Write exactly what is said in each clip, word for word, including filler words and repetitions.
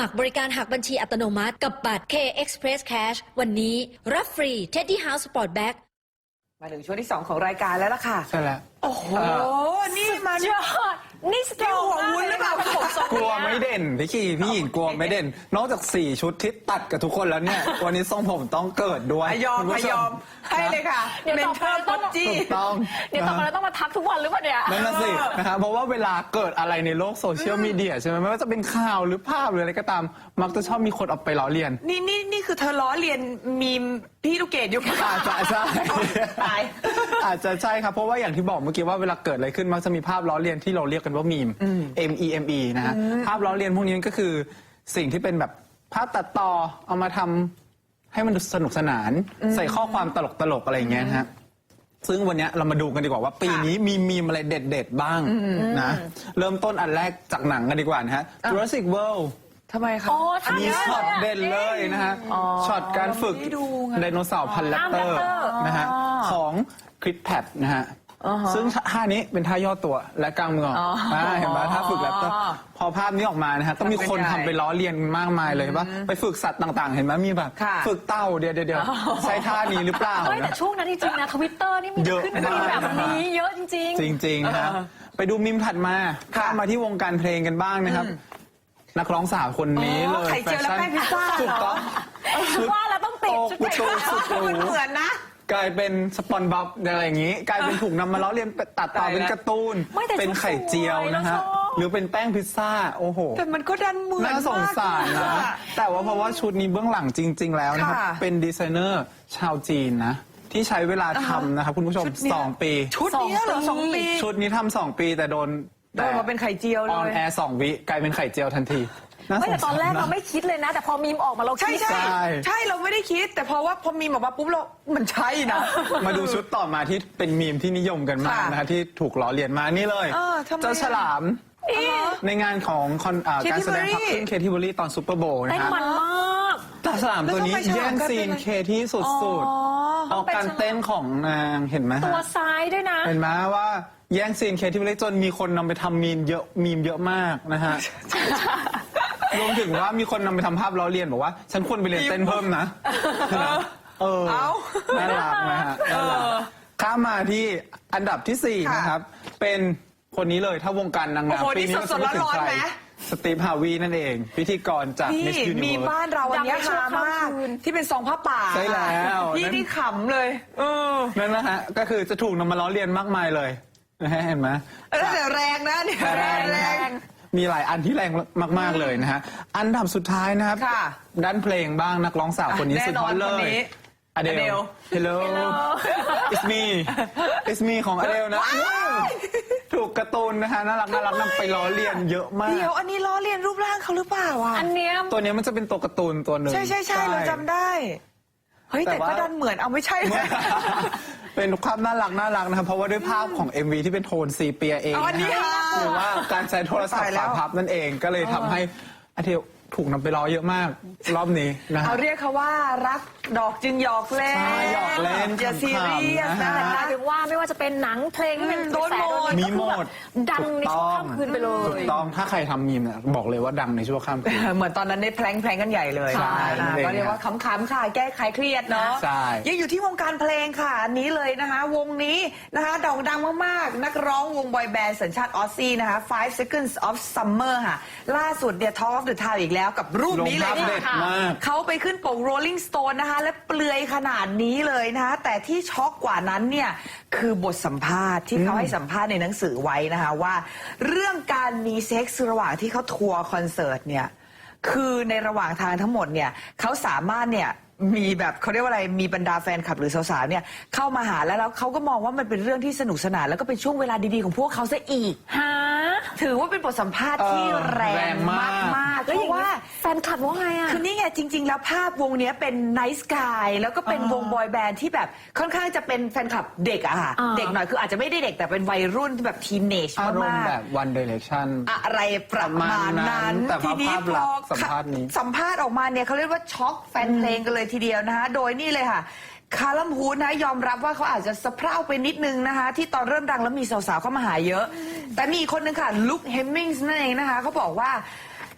มัครบริการหักบัญชีอัตโนมัติกับบัตร K Express Cash วันนี้รับฟรี Teddy House Sport Bag มาถึงช่วงที่สองของรายการแล้วล่ะค่ะใช่แล้วโอ้โห นี่มันยอดนี่สตรองหัววุ้นหรือเปล่ากลัวไม่เด่นพี่คีพี่หญิงกลัวไม่เด่น นอกจากสี่ชุดที่ตัดกับทุกคนแล้วเนี่ย วันนี้ทรงผมต้องเกิดด้วยยอมคุณผู้ชยอมให้เลยค่ะเดี๋ยวเมนต่อเทไปอร์เราปต้องจี้ถูกต้องเดี๋ยวต่อไปเราต้องมาทักทุกวันหรือเปล่าเนี่ยนั่นน่ะสินะครับเพราะว่าเวลาเกิดอะไรในโลกโซเชียลมีเดียใช่ไหมไม่ว่าจะเป็นข่าวหรือภาพหรืออะไรก็ตาม มักจะชอบมีคนเอาไปล้อเลียนนี่นี่นี่คือเธอล้อเลียนมีมพี่ลูกเกดอยู่ปะอาจจะใช่ตายอาจจะใช่ครับเพราะว่าอย่างที่บอกเมื่อกี้ว่าเวลาเกิดอะไรขึ้นมักจะมีภาพล้อเลียนที่เราเรียกกันว่ามีม M E M E นะฮะภาพล้อเลียนพวกนี้ก็คือสิ่งที่เป็นแบบภาพตัดต่อเอามาทำให้มันสนุกสนานใส่ข้อความตลกตลกๆอะไรอย่างเงี้ยนะฮะซึ่งวันนี้เรามาดูกันดีกว่าว่าปีนี้มีมีมอะไรเด็ดๆบ้างนะเริ่มต้นอันแรกจากหนังกันดีกว่านะฮะ Jurassic World ทำไมคะโอ้อัท่าน นนี้เยอะช็อตเลยเด่นเลยนะฮะช็อตการฝึกไม่ดูไงไดโนเสาร์พันธุ์แรปเตอร์อ๋อนะฮะของคริสแพทนะฮะซึ่งท่านี้เป็นท่าย่อตัวและกลางมือออ่าเห็นไหมท่าฝึกแรปเตอร์พอภาพนี้ออกมานะฮะก็มีคนทำไปล้อเลียนมากมายเลยว่าไปฝึกสัตว์ต่างๆ เห็นไหมมีแบบค่ะฝึกเต่าเดี๋ยวเดี๋ยวใช้ท่านี้หรือเปล่าเฮ้ยแต่นะช่วงนั้นจริงๆนะทวิตเตอร์นี่มีเยอะขึ้นมากมีแบบนี้เยอะจริงจริงๆนะครับไปดูมิมถัดมาข้ามมาที่วงการเพลงกันบ้างนะครับ นักร้องสาวคนนี้เลยไข่เจียวและแป้งพิซซ่าถูกต้องๆ ว่าเราต้องติดชุดประตูสุดหรูมันเหมือนนะกลายเป็นสปอนบับอะไรอย่างนี้ กลายเป็นถูกนำมาล้อเลียนตัดต่อเป็นการ์ตูนไม่แต่เป็นไข่เจียวนะฮะชุดสวยเราชอบหรือเป็นแป้งพิซซ่าโอ้โหแต่มันก็ดันเหมือนน่าสงสารนะมากแต่ว่าเพราะว่าชุดนี้เบื้องหลังจริง ๆ แล้วนะครับค่ะเป็นดีไซเนอร์ชาวจีนนะ ที่ใช้เวลาทำนะครับคุณผู้ชมชุดเนี้ยสองปีชุดเนี้ยเหรอสองปีชุดนี้ทำสองปีแต่โดนโดนมาเป็นไข่เจียวเลออนยแอร์สองวิกลายเป็นไข่เจียวทันทีาไม่แต่ตอนแรกสงสเรานะไม่คิดเลยนะ แต่พอมีมออกมาเราใช่คิดใช่ใช่ใช่เราไม่ได้คิด แต่เพราะว่าพอมีออกมาปุ๊บเรา มันใช่นะมาดูชุดต่อมาที่เป็นมีมที่นิยมกันมากค่ะนะคะที่ถูกล้อเลียนมานี่เลยเออทำไมเจ้าฉลาม ในงานของคอนอ่า Katy การแสดงพัก Perry ขึ้นเคที่บุรีตอนซูเปอร์โบว์เต้นะนฮะมันมากเจ้าฉลามตัวนี้แล้วทำไมฉลามแย่งซีนกลายเป็นเคที่สุดอ๋อๆเอาการเต้นของนางเห็นไหมตัวฮะซ้ายด้วยนะเห็นไหมว่าแย่งซีนเคที่บุรีจนมีคนนำไปทำมีมเยอะมีมเยอะมากนะฮะ รวมถึงว่ามีคนนำไปทำภาพล้อเลียนบอกว่า ฉันควรไปเรียนเต้นเพิ่มนะเออเอาน่ารักนะฮะน่ารักข้ามมาที่อันดับที่สี่ค่ะนะครับ เป็นคนนี้เลยถ้าวงการนางงามโอ้โหปีนี้นี่สดๆเราจะพูดถึงร้อนๆใครไหมสตีฟฮาวีนั่นเอง พิธีกรจากพี่ Miss มี Universe บ้านเราอันเนี้ยดังไปชั่วฮามากข้ามคืนที่เป็นซองผ้าป่าใช่แล้วพี่นั่นนี่ขำเลย เออนั่นนะฮะก็คือจะถูกนำมาล้อเลียนมากมายเลยนะฮะเห็นไหมเออแต่แรงนะเนี่ยแรงแรงมีหลายอันที่แรงมาก ๆ เลยนะฮะ อันดับสุดท้ายนะครับค่ะด้านเพลงบ้างนักร้องสาวคนนี้แน่สุดนฮออน ตเลคนยนี้อเดล Adele Hello It's me It's me ของอเดลนะ ถูกการ์ตูนนะฮะน่ารักน่ารักนำไปล้อเลียนเยอะมากเดี๋ยวอันนี้ล้อเลียนรูปร่างเขาหรือเปล่าอ่ะอันเนี้ยตัวเนี้ยมันจะเป็นตัวการ์ตูนตัวหนึ่งใช่ใช่ใช่เราจำได้ เฮ้ยแต่แต่ว่าก็ดันเหมือนเอาไม่ใช่นะเป็นความน่ารักน่ารักนะครับเพราะว่าด้วยภาพของ เอ็ม วี ที่เป็นโทนซีเปียเองอ๋อนะนี่ฮะค่ะหรือว่าการใช้โทรศัพตายท์แล้ฝาว พับนั่นเองก็เลยทำให้อเดลถูกนำไปล้อเยอะมากรอบนี้นะฮะเอาเรียกเขาว่ารักดอกจึงหยอกเล่นใช่หยอกเล่นอย่าซีเรียสขำๆนะนะฮะหมายถึงว่าไม่ว่าจะเป็นหนังเพลงที่เป็นโดนกระแสหมดโดนมีหมดดังในช่วงค่ำคืนไปเลถูยกต้องถ้าใครทำมีมเนี่ยบอกเลยว่าดังในชั่วข้ามคืนเหมือนตอนนั้นได้แพลงแพลงกันใหญ่เลยใช่อ่านั่นเองก็เรียกว่าขำๆค่ะ แก้ไขเครียดเนาะใช่ยังอยู่ที่วงการเพลงค่ะอันนี้เลยนะคะ วงนี้นะคะโด่งดังมากๆ นักร้องวงบอยแบนด์สัญชาติออสซี่นะคะ five seconds of summer ค่ะ ล่าสุดเนี่ย Talk of the Town อีกแล้วกับรูปนี้เลยลงภาพเด็ดค่ะมากเขาไปขึ้นปก Rolling Stone นะคะ และเปลือยขนาดนี้เลยนะคะ แต่ที่ช็อกกว่านั้นเนี่ย คือบทสัมภาษณ์ที่เขาให้สัมภาษณ์ในหนังสือไว้นะคะว่า เรื่องการมีเซ็กซ์ระหว่างที่เขาทัวร์คอนเสิร์ตเนี่ย คือในระหว่างทางทั้งหมดเนี่ยเขาสามารถเนี่ยมีแบบเขาเรียกว่าอะไรมีบรรดาแฟนคลับหรือสาวๆเนี่ยเข้ามาหาแล้วแล้วเขาก็มองว่ามันเป็นเรื่องที่สนุกสนานแล้วก็เป็นช่วงเวลาดีๆของพวกเขาซะอีกหาถือว่าเป็นบทสัมภาษณ์ที่เออแรแรง งมามากกๆแล้วเพอย่างราะนี้ว่าแฟนคลับว่าไงอ่ะคือนี่ไงจริง ๆ แล้วภาพวงเนี้ยเป็นไนท์สกายแล้วก็เป็นวงบอยแบนด์ที่แบบค่อนข้างจะเป็นแฟนคลับเด็กอะค่ะอ่าเด็กหน่อยคืออาจจะไม่ได้เด็กแต่เป็นวัยรุ่นที่แบบทีนเนจอารมมาณ์กแบบ One Direction ๆอะไรประมาณนั้นแต่ว่าทีนี้ภาพพลักอษณ์สัมภาษณ์นี้สัมภาษณ์ออกมาเนี่ยเขาเรียกว่าช็อกแฟนเพลงกันเลยทีเดียวนะคะโดยนี่เลยค่ะคาลัมฮูดนะยอมรับว่าเขาอาจจะสะเพร่าไปนิดนึงนะคะที่ตอนเริ่มดังแล้วมีสาวๆเข้ามาหาเยอะ แต่มีอีกคนนึงค่ะลุคเฮมมิงส์นั่นเองนะคะเขาบอกว่า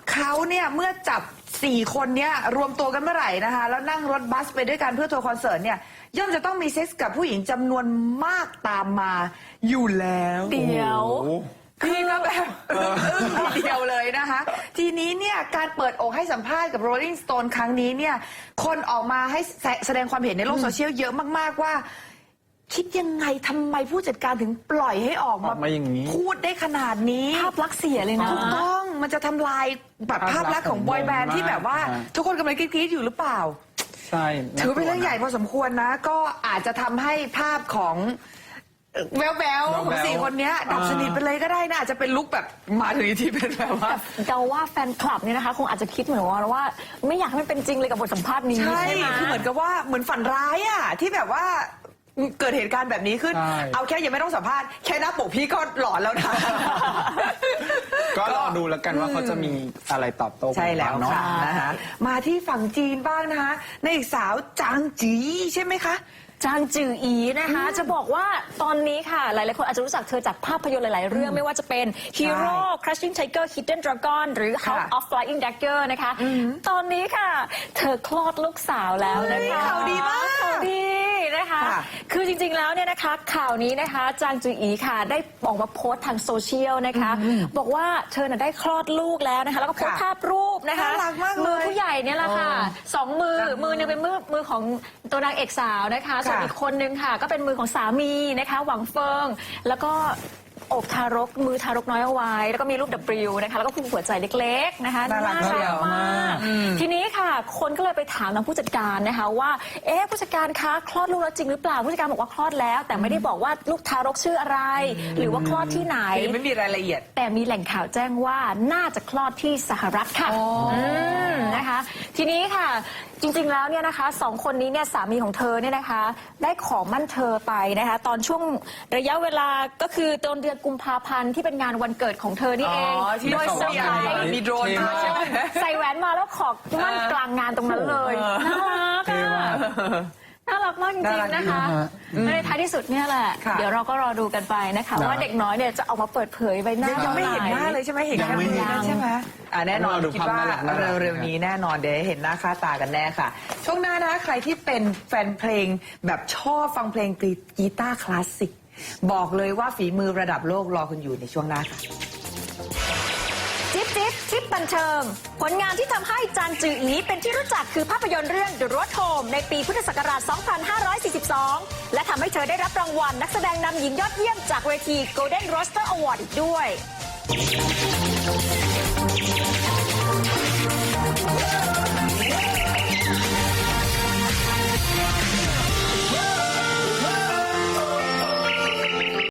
เขาเนี่ยเมื่อจับสี่คนเนี่ยรวมตัวกันเมื่อไหร่นะคะแล้วนั่งรถบัสไปด้วยกันเพื่อทัวร์คอนเสิร์ตเนี่ยย่อมจะต้องมีเซ็กส์กับผู้หญิงจำนวนมากตามมาอยู่แล้วเดี๋ยวโอ้โหพี่ก็แบบอึ้งทีเดียวเลยนะคะ ทีนี้เนี่ยการเปิดอกให้สัมภาษณ์กับ Rolling Stone ครั้งนี้เนี่ยคนออกมาให้แสแสดงความเห็นในโลกโซเชียลเยอะมากๆว่า คิดยังไงทำไมผู้จัดการถึงปล่อยให้ออกออกมาอย่างนี้พูดได้ขนาดนี้ภาพลักษณ์เสียเลยนะถูกต้องมันจะทำลายแบบภาพลักษณ์ของบอยแบนด์ที่แบบว่าอ่าทุกคนกำลังกรี๊ดๆอยู่หรือเปล่าใช่ถือเป็นเรื่องใหญ่พอสมควรนะ ก็อาจจะทำให้ภาพของแววแววๆของสี่คนเนี้ยดับสนิทไปเลยก็ได้นะอาจจะเป็นลุคแบบมาถึงที่เป็นแบบว่าเดาว่าแฟนคลับเนี่ยนะคะ คงอาจจะคิดเหมือนว่าว่า ไม่อยากให้มันเป็นจริงเลยกับบทสัมภาษณ์นี้ใช่ใช่ไหมคือเหมือนกับว่าเหมือนฝันร้ายอ่ะที่แบบว่าเกิดเหตุการณ์แบบนี้ขึ้นใช่เอาแค่ยังไม่ต้องสัมภาษณ์แค่หน้าปกพี่ก็หลอนแล้วนะก็รอดูแล้วกันว่าเขาจะมีอะไรตอบโต้กันใช่แล้วบ้างเนาะค่ะนะคะมาที่ฝั่งจีนบ้างนะคะนางเอกสาวจางจีใช่ไหมคะจางจืออีนะคะ จะบอกว่าตอนนี้ค่ะ หลายๆคนอาจจะรู้จักเธอจากภาพยนตร์หลาย ๆ เรื่องไม่ว่าจะเป็น Hero Crushing Tiger Hidden Dragon หรือ House ค่ะ of Flying Dagger นะคะ ตอนนี้ค่ะ เธอคลอดลูกสาวแล้วนะคะเฮ้ยข่าวดีมากข่าวดีนะคะค่ะคือจริง ๆ แล้วเนี่ยนะคะข่าวนี้นะคะจางจืออีค่ะ ได้ออกมาโพสต์ทางโซเชียลนะคะ บอกว่าเธอน่ะได้คลอดลูกแล้วนะคะ แล้วก็โพสต์ค่ะภาพรูปนะคะน่ารักมากเลยมือผู้ใหญ่เนี่ยแหละค่ะอ๋อสองมือมือหนึงเป็นมือมือของตัวนางเอกสาวนะคะส่วนค่ะอีกคนนึงค่ะ ก็เป็นมือของสามีนะคะ หวังเฟิง แล้วก็อบทารกมือทารกน้อยเอาไว้ แล้วก็มีรูป W นะคะแล้วก็ผู้หัวใจเล็กๆนะคะน่ารักเชียวมากทีนี้ค่ะ คนก็เลยไปถามทางผู้จัดการนะคะว่าเอ๊ะผู้จัดการคะคลอดลูกแล้วจริงหรือเปล่าผู้จัดการบอกว่าคลอดแล้ว แต่ไม่ได้บอกว่าลูกทารกชื่ออะไร หรือว่าคลอดที่ไหนยังไม่มีรายละเอียดแต่มีแหล่งข่าวแจ้งว่าน่าจะคลอดที่สหรัฐค่ะมนะคะ ทีนี้ค่ะจริงๆแล้วเนี่ยนะคะสองคนนี้เนี่ยสามีของเธอเนี่ยนะคะ ได้ขอมั่นเธอไปนะคะ ตอนช่วงระยะเวลาก็คือตอนเดือนกุมภาพันธ์ที่เป็นงานวันเกิดของเธอนี่เองอ๋อที่โดยเซอร์ไพรส์มีโดรนมาใช่ไหมใส่แหวนมาแล้วขอมั่นกลางงานตรงนั้นเลยน่ารักเท่อะมากน่ารักมากจริงๆนะคะน่ารักดีนะฮะในท้ายที่สุดเนี่ยแหละค่ะเดี๋ยวเราก็รอดูกันไปนะคะนะว่าเด็กน้อยเนี่ยจะออกมาเปิดเผยใบหน้ายังไม่เห็นหน้าเลยใช่ไหมเห็นยังไม่เห็นแค่มือใช่ไหมอ่าแน่นอนรอดูคิดภาพว่าน่ารักน่ารักเร็วๆนี้แน่นอนเดี๋ยวเห็นหน้าค่าตากันแน่ค่ะ ช่วงหน้านะคะใครที่เป็นแฟนเพลงแบบชอบฟังเพลงกีตาร์คลาสสิกบอกเลยว่าฝีมือระดับโลกรอคุณอยู่ในช่วงหน้าค่ะจิ๊บจิ๊บจิ๊บบันเทิง ผลงานที่ทำให้จางจืออีเป็นที่รู้จักคือภาพยนตร์เรื่อง The Road Home ในปีพุทธศักราช สองพันห้าร้อยสี่สิบสอง และทำให้เธอได้รับรางวัลนักแสดงนำหญิงยอดเยี่ยมจากเวที Golden Rooster Award อีกด้วย